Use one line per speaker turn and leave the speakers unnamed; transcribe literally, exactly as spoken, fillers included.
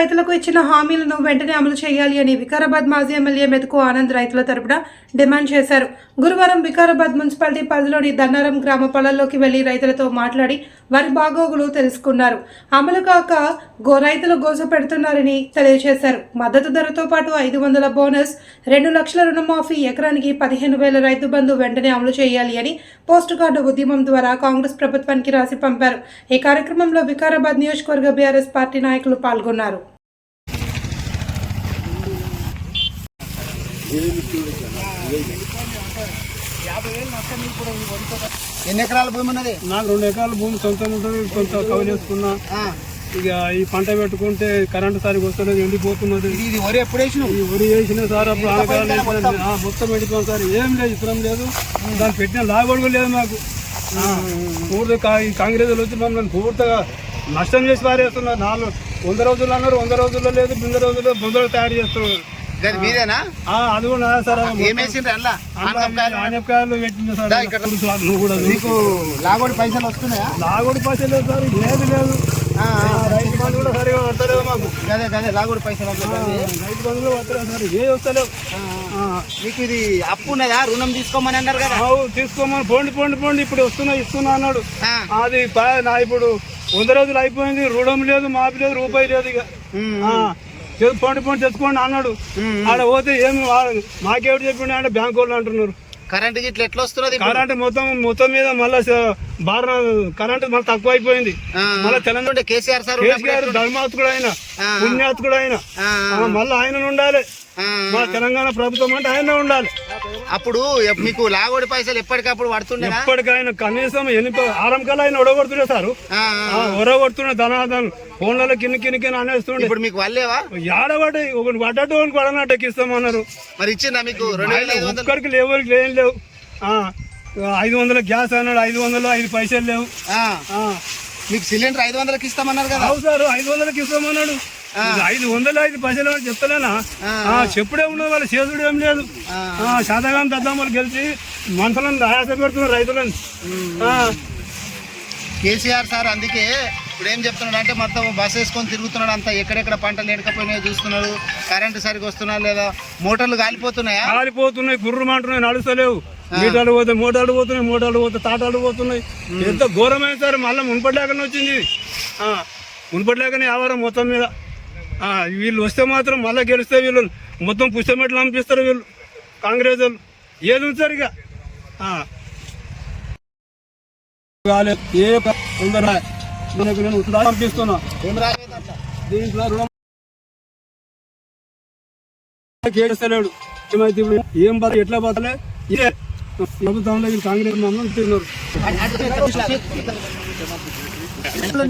రైతులకు ఇచ్చిన హామీలను వెంటనే అమలు చేయాలి అని వికారాబాద్ మాజీ ఎమ్మెల్యే మెతుకు ఆనంద్ రైతుల తరపున డిమాండ్ చేశారు. గురువారం వికారాబాద్ మున్సిపాలిటీ పరిధిలోని దన్నారం గ్రామ పొలాల్లోకి వెళ్లి రైతులతో మాట్లాడి వారి బాగోగులు తెలుసుకున్నారు. అమలు కాక గో రైతులు గోస పెడుతున్నారని తెలియజేశారు. మద్దతు ధరతో పాటు ఐదు వందల బోనస్, రెండు లక్షల రుణమాఫీ, ఎకరానికి పదిహేను వేల రైతు బంధు వెంటనే అమలు చేయాలి అని పోస్ట్ కార్డు ఉద్యమం ద్వారా కాంగ్రెస్ ప్రభుత్వానికి రాసి పంపారు. ఈ కార్యక్రమంలో వికారాబాద్ నియోజకవర్గ బీఆర్ఎస్ పార్టీ నాయకులు పాల్గొన్నారు.
ఎన్ని ఎకరాల భూమి ఉన్నది?
నాకు రెండు ఎకరాల భూమి సొంతం ఉంటుంది. కొంత కవర్ చేసుకున్నా. ఇక ఈ పంట పెట్టుకుంటే కరెంటు సరిగ్గా వస్తలేదు, ఎండిపోతున్నది.
ఇది వరి ఎప్పుడు వేసిన?
ఈ వరి వేసిన సార్ అప్పుడు ఆనకాలం మొత్తం ఎండిపోయింది సార్. ఏం లేదు, ఇతరం లేదు, దాన్ని పెట్టిన లాగొడుగు లేదు మాకు. పూర్తి కాంగ్రెస్ వచ్చి మమ్మల్ని పూర్తిగా నష్టం చేసి పారేస్తున్నారు. నాలుగు వంద రోజులు అన్నారు, వంద రోజుల్లో లేదు, బింద రోజుల్లో బొందలు తయారు చేస్తున్నారు. అది కూడా సార్ ఆనపకాయలు పెట్టింది సార్. నువ్వు కూడా
లాగోడి పైసలు వస్తున్నాయా?
లాగోడి పైసలు లేదు సార్, లేదు లేదు. రైతు బంధు కూడా సరిగా పడతలేవు మాకు.
అదే అదే లాగోడి పైసలు
రైతు బంధువులు పడతలేదు సార్, ఏ వస్తలేవు.
మీకు ఇది అప్పు ఉన్నదా? రుణం తీసుకోమని అన్నారు కదా?
తీసుకోమని పోండి పోండి పోండి ఇప్పుడు వస్తున్నా ఇస్తున్నా అన్నాడు. అది నా ఇప్పుడు వంద రోజులు అయిపోయింది, రుణం లేదు, మాపి లేదు, రూపాయి లేదు. ఇక పోండి పోండి తెచ్చుకోండి అన్నాడు. ఆడ పోతే ఏమి మాకేమిటి చెప్పిండి అంటే బ్యాంక్ వాళ్ళు అంటున్నారు.
కరెంట్ గిట్ల ఎట్లా వస్తున్నది?
కరెంట్ మొత్తం మొత్తం మీద మళ్ళీ బాగా కరెంట్ మళ్ళీ తక్కువ అయిపోయింది. మళ్ళీ తెలంగాణ
కేసీఆర్ సార్
కేసీఆర్ ధర్మాత్కుడు ఆయన, పుణ్యాత్కుడు ఆయన, మళ్ళీ ఆయన ఉండాలి. మా తెలంగాణ ప్రభుత్వం అంటే ఆయన ఉండాలి.
అప్పుడు మీకు లాగోడి పైసలు ఎప్పటికప్పుడు పడుతుండే?
ఎప్పటికైనా కనీసం ఎనిమిది ఆరం కల్లా ఆయన ఒడగొడుతుండే సార్. ఒడగొడుతుండే ధనాధన్ ఫోన్లలో కిన్ని కిన్ని కిన్ని అనేస్తుండే.
ఇప్పుడు మీకు వాళ్ళేవా?
ఏడబడి ఒకటి పడ్డట్టు ఒకటి పడనట్టు ఎక్కిస్తామన్నారు.
మరి ఇచ్చిందా మీకు?
ఒక్కరికి లేవరికి ఏం లేవు. ఐదు వందల గ్యాస్ అన్నాడు, ఐదు వందలు ఐదు పైసలు లేవు.
మీకు సిలిండర్ ఐదు వందలకి ఇస్తామన్నారు కదా?
అవు సార్, ఐదు వందలకి ఇస్తామన్నాడు. ఐదు వందలు ఐదు పైసలు అని చెప్తలేనా? చెప్పుడే ఉన్నది, వాళ్ళు చేసుడు ఏం లేదు. శాతగాని దద్దామలు గెలిచి మనుషులను ఆయాస పెడుతున్నారు రైతులని.
కేసీఆర్ సార్ అందుకే ఇప్పుడు ఏం చెప్తున్నాడు అంటే మొత్తం బస్ వేసుకొని తిరుగుతున్నాడు, అంతా ఎక్కడెక్కడ పంటలు ఎండకపోయినాయో చూస్తున్నాడు. కరెంటు సరిగ్గా వస్తున్నా లేదా? మోటార్లు కాలిపోతున్నాయా?
కాలిపోతున్నాయి, గుర్రం అంటున్నాయి, నడుస్తలేవు. మీటాలు పోతాయి, మోటార్లు పోతున్నాయి, మోటార్లు పోతాయి, తాటాలు పోతున్నాయి. ఎంత ఘోరమైన సార్. మళ్ళీ మున్పటిలేకనే వచ్చింది, మున్పటిలేకనే ఆవారం మొత్తం మీద. వీళ్ళు వస్తే మాత్రం మళ్ళీ గెలిస్తే వీళ్ళు మొత్తం పుస్తమెట్లు పంపిస్తారు వీళ్ళు కాంగ్రెస్ వాళ్ళు. ఏది ఉంచారు ఇక ఏ తొందర నేను పంపిస్తున్నా. దీంట్లో రుణం కేడుస్తలేడు. ఏమైతే ఏం బత ఎట్లా బతలే ఇదే ప్రభుత్వంలో కాంగ్రెస్ మమ్మల్ని తిన్నారు.